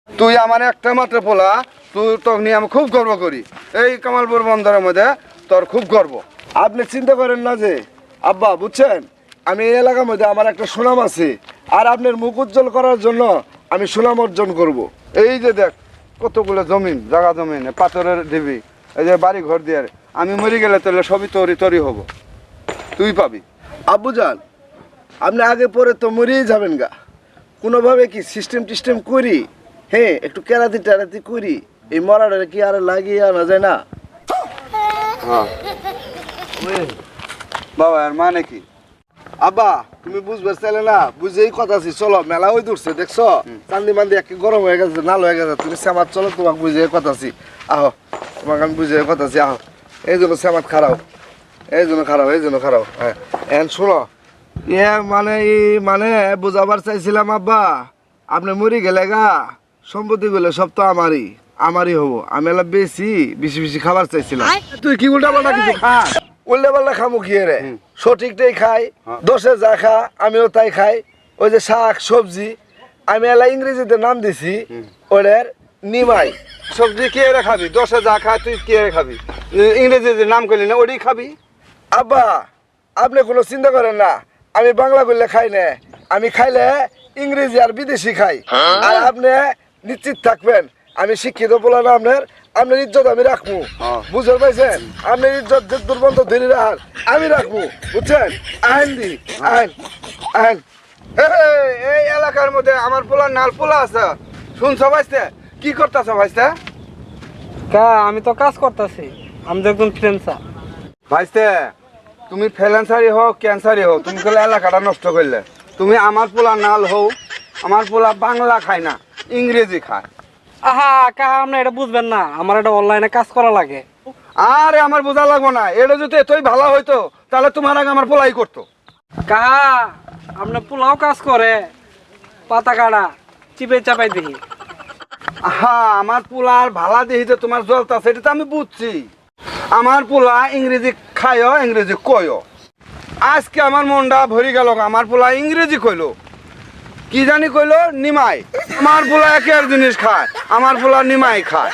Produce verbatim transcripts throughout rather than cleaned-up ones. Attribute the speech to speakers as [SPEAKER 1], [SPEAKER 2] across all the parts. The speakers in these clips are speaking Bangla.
[SPEAKER 1] তুই আমার একটা মাত্র পোলা, তুই তোকে নিয়ে আমি খুব গর্ব করি। এই কামালপুর বন্দরের মধ্যে তোর খুব গর্ব। আপনি চিন্তা করেন না যে আব্বা, বুঝছেন, আমি এই এলাকার মধ্যে আমার একটা সুনাম আছে, আর আপনার মুখ উজ্জ্বল করার জন্য আমি সুনাম অর্জন করব। এই যে দেখ কতগুলো জমিন, জায়গা জমিন, পাথরের ঢিবি, এই যে বাড়ি ঘর দিয়ে, আমি মরে গেলে তাহলে সবই তরি তরি হব, তুই পাবি। আব্বু যান, আপনি আগে পরে তো মরেই যাবেন গা, কোনোভাবে কি সিস্টেম টিস্টেম করি, হ্যাঁ একটু কেরাতি টেরাতি করি, এই মরাটা কি আর লাগিয়ে আনা যায় না? হ্যাঁ বাবা, আর মানে কি? আব্বা তুমি বুঝবার চাইলে না, বুঝেই কথা আছি, চলো মেলা ওই দূরছে, দেখছো চান্দি মান্দি একে গরম হয়ে গেছে, নাল হয়ে গেছে, তুমি শ্যামাত চলো, তোমাকে বুঝে কথা আছি, আহো তোমাকে আমি বুঝে কথা আছি, আহো। এই জন্য শ্যামাত খারাও, এই জন্য খারাপ, এই জন্য খারাপ। হ্যাঁ এখন শোনো, ইয়ে মানে ই মানে বুঝাবার চাইছিলাম আব্বা, আপনি মরি গেলে গা সম্পত্তি গুলো সব তো আমারই আমারই হবো, আমি এলা বেশি বেশি বেশি খাবার চাইছিলাম। তুই কি উল্টা পাল্টা কিছু খা? উল্টা পাল্টা খামু কি রে? সঠিকটাই খাই, দশে যা খা আমিও তাই খাই। ওই যে শাক সবজি আমি এলা ইংরেজিতে নাম দিছি ওদের নিমাই। সবজি কে রে খাবি? দশে যা খা তুই কে রে খাবি? ইংরেজিতে নাম করলি না, ওটাই খাবি। আব্বা আপনি কোনো চিন্তা করেন না, আমি বাংলা করলে খাই না, আমি খাইলে ইংরেজি আর বিদেশি খাই। আর আপনি নিশ্চিত থাকবেন আমি শিক্ষিত বলে না, আপনার আপনার ইজ্জত আমি রাখবো, বুঝতে পারছেন? আপনার ইজ্জত যে দুর্বন্ধ ধরে রাখার আমি রাখবো, বুঝছেন? আইন দি আইন আইন। এই এলাকার মধ্যে আমার পোলা নাল পোলা আছে, শুনছ ভাইস্তে? কি করতেছ ভাইস্তে?
[SPEAKER 2] কা আমি তো কাজ করতেছি, আমি তো একজন ফ্রিল্যান্সার।
[SPEAKER 1] ভাইস্তে তুমি ফ্রিল্যান্সারই হোক ক্যান্সারই হোক, তুমি কলে এলাকাটা নষ্ট করলে। তুমি আমার পোলা নাল হও, আমার পোলা বাংলা খায় না, ইংরেজি খায়।
[SPEAKER 2] আহা কা আপনি এটা বুঝবেন না, আমার এটা অনলাইনে কাজ করা লাগে।
[SPEAKER 1] আরে আমার বোঝা লাগবো না, এটা যদি এতই ভালো হইতো তাহলে তোমার আগে আমার পোলাই করতো।
[SPEAKER 2] কা আপনি পোলাও কাজ করে, পাতা কাটা চিপে চাপাই দেখি।
[SPEAKER 1] হ্যাঁ আমার পোলার ভালা দেখি যে তোমার জলতা, সেটা তো আমি বুঝছি। আমার পোলা ইংরেজি খায়ও ইংরেজি কয়ও। আজকে আমার মনটা ভরি গেল, আমার পোলা ইংরেজি কইলো, কি জানি কইলো নিমাই। আমার পোলা একের জিনিস খায়, আমার পোলা নিমাই খায়।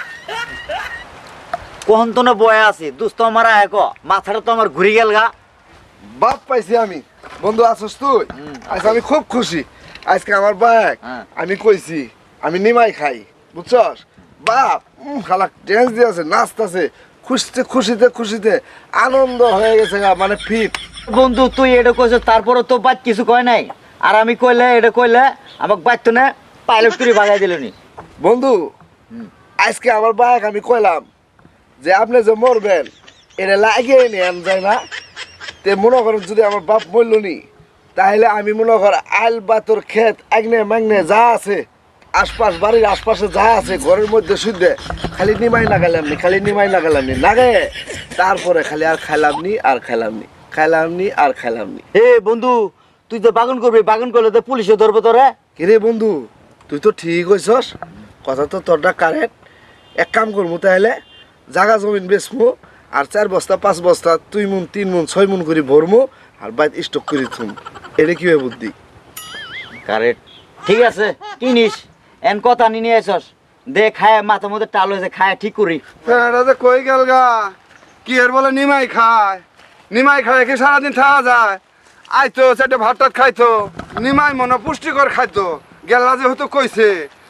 [SPEAKER 3] কোন তো না বয়ে আছি দুস্ত আমার এক মাথাটা তো আমার ঘুরে গেল গা।
[SPEAKER 1] বাপ পাইছি আমি, বন্ধু আছিস তুই? আজকে আমি খুব খুশি, আজকে আমার ব্যাগ আমি কইছি আমি নিমাই খাই, বুঝছস? বাপ খালা ড্যান্স দিয়েছে, নাচতেছে, খুশিতে খুশিতে খুশিতে আনন্দ হয়ে গেছে গা, মানে ফিট।
[SPEAKER 3] বন্ধু তুই এটা কইছ, তারপরে তো বাদ কিছু কয় নাই, আর আমি কইলে এটা কইলে আমাকে বাদ তো না পাইলট করে বাগাই দিলনি।
[SPEAKER 1] বন্ধু আজকে আমার ব্যাগ আমি কইলাম যে আপনি যে মরবেন এটা লাগিয়ে নেন যায় না, তে মনে করেন যদি আমার বাপ মরল নি, তাহলে আমি মনে কর আইল বাতর ক্ষেত আগ্নে মাগ্নে যা আছে, আশপাশ বাড়ির আশপাশে যা আছে ঘরের মধ্যে শুদ্ধে খালি নিমাই লাগালাম নি, খালি নিমাই লাগালাম নি লাগে, তারপরে খালি আর খাইলাম নি আর খাইলাম নি, খাইলাম নি আর খাইলাম নি।
[SPEAKER 3] এ বন্ধু তুই তো বাগান করবি, বাগান করলে তো পুলিশে ধরবে তোরে।
[SPEAKER 1] কিরে বন্ধু তুই তো ঠিক হইছস, কথা তো তোরটা কারেক্ট। এক কাম করবো তাহলে, জাগা জমিন বেচমু, আর চার বস্তা পাঁচ বস্তা দুই মুন তিন মুন ছয় মুন করে ভরমু, আর বাইত স্টক করে থুম। এটা কি বুদ্ধি?
[SPEAKER 3] কারেক্ট, ঠিক আছে কিনিস, এন কথা নিয়ে আসস দে, খায় মাথার মধ্যে টাল হয়েছে, খায় ঠিক করি।
[SPEAKER 1] এটা কই গেল গা, কি এর বলে নিমাই খায়, নিমাই খায় কি সারাদিন খাওয়া যায়? আইতো সেটা ভাত টাত খাইতো, নিমাই মনে পুষ্টিকর খাইতো, গেলা যে হয়তো কইছে।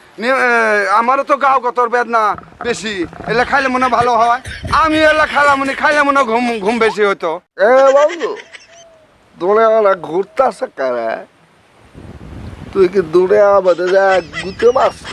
[SPEAKER 1] আমারও তো গাও গতর বেদনা বেশি, এলে খাইলে মনে ভালো হয়। আমি এলা খাইলাম মনে খাইলে মনে ঘুম ঘুম বেশি হইতো। এ বন্ধু দূরে আমরা ঘুরতেছে কারা, তুই কি দূরে আমাদের যা গুতে মাছ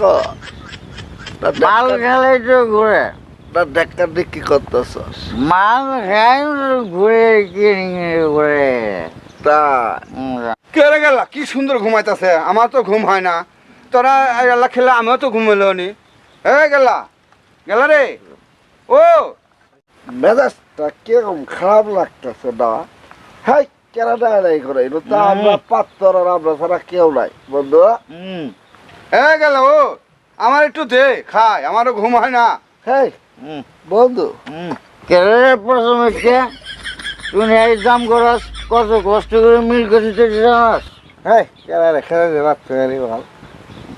[SPEAKER 3] মাল খেলে তো ঘুরে,
[SPEAKER 1] না ডাক্তার কি করতেছস?
[SPEAKER 3] মাল খাই ঘুরে ঘুরে
[SPEAKER 1] তা কেড়ে গেলা কি সুন্দর ঘুমাইতেছে, আমার তো ঘুম হয় না। তোরা এলা খেলে আমিও তো ঘুমাইল নি। এ গেলা গেলা রে, ও মেজাজটা কিরকম খারাপ লাগতেছে না? হ্যাঁ কেনা নাই করে, তা আমরা পাত্তর আর আমরা ছাড়া কেউ নাই বন্ধু।
[SPEAKER 3] হুম
[SPEAKER 1] এ গেল ও আমার একটু দে খাই, আমারও ঘুম হয় না। হ্যাঁ বন্ধু
[SPEAKER 3] হুম কেরে প্রথমে কে তুই এই দাম করস, কত কষ্ট করে মিল করতে জানাস।
[SPEAKER 1] হ্যাঁ কেনা রে খেলে দে রাত ফেরি ভালো।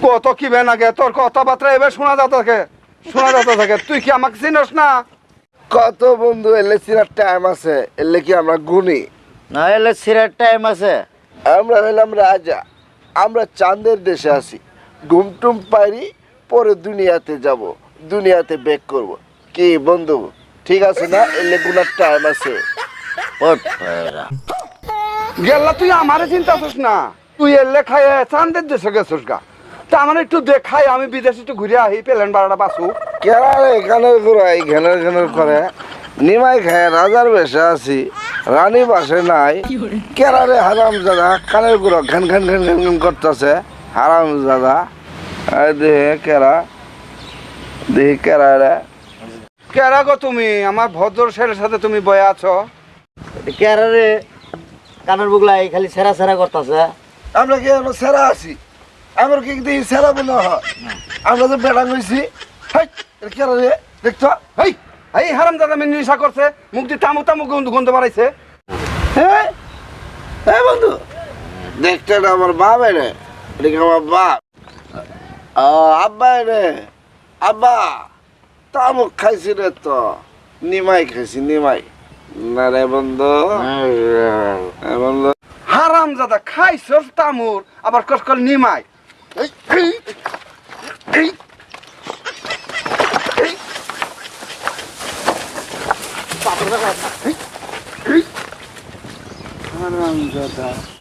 [SPEAKER 4] কত কি বে নাগে তোর কথাবার্তা এবার শোনা যাতে থাকে শোনা যাতে থাকে তুই কি আমাকে চিনস না?
[SPEAKER 1] কত বন্ধু এলে চিনার টাইম আছে, এলে কি আমরা গুনি?
[SPEAKER 3] না এলে সিরার টাইম আছে।
[SPEAKER 1] আমরা হইলাম রাজা, আমরা চাঁদের দেশে আছি। ঘুমটুম পারি, পরে দুনিয়াতে যাব, দুনিয়াতে বেক করব। কি বন্ধু ঠিক আছে না? এলে গুনার টাইম আছে।
[SPEAKER 3] ওঠ ভাইরা।
[SPEAKER 4] গেল্লা তুই আমারে চিন্তা করছিস না, তুই এলে খায় চান্দের দেশে গেছিস গা। তা আমার একটু দেখাই, আমি বিদেশে একটু ঘুরে আহি, পেলেন বারোটা বাসু।
[SPEAKER 1] কেরা রে ঘানের ঘুরাই ঘ্যানের ঘ্যানের করে নিমাই খায় রাজার বেশে আছি, রানী বাসে নাই। কেরা রে হারাম দাদা কানের গুঁড়ো ঘ্যান ঘ্যান ঘ্যান ঘ্যান ঘ্যান করতেছে হারাম দাদা। দেহে কেরা, দেহি কেরা রে।
[SPEAKER 4] কেরা গো তুমি? আমার ভদ্র ছেলের সাথে তুমি বয়ে আছো?
[SPEAKER 3] কেরারে কানের বুগলাই খালি সেরা সেরা করতেছে।
[SPEAKER 1] আমরা কি এখন সেরা আছি? আমার কি দেখি সেরা মনে হয়? আমরা তো বেড়া হয়েছি। কেরা রে দেখছো?
[SPEAKER 4] এই এই হারাম দাদা মেয়ে নেশা করছে, মুখ দিয়ে তামু তামু গন্ধ গন্ধ বাড়াইছে।
[SPEAKER 1] হ্যাঁ হ্যাঁ বন্ধু, দেখতে না আমার বাপ এনে, এটা কি আমার বাপ? ও আব্বা এনে, আব্বা তামুক খাইছি রে, তো নিমাই খাইছি নিমাই। না রে বন্ধু, হ্যাঁ বন্ধু।
[SPEAKER 4] হারাম দাদা খাইছস তামুর, আবার কসকল নিমাই।
[SPEAKER 1] এই, এই, এই, এই। হারাম দাদা।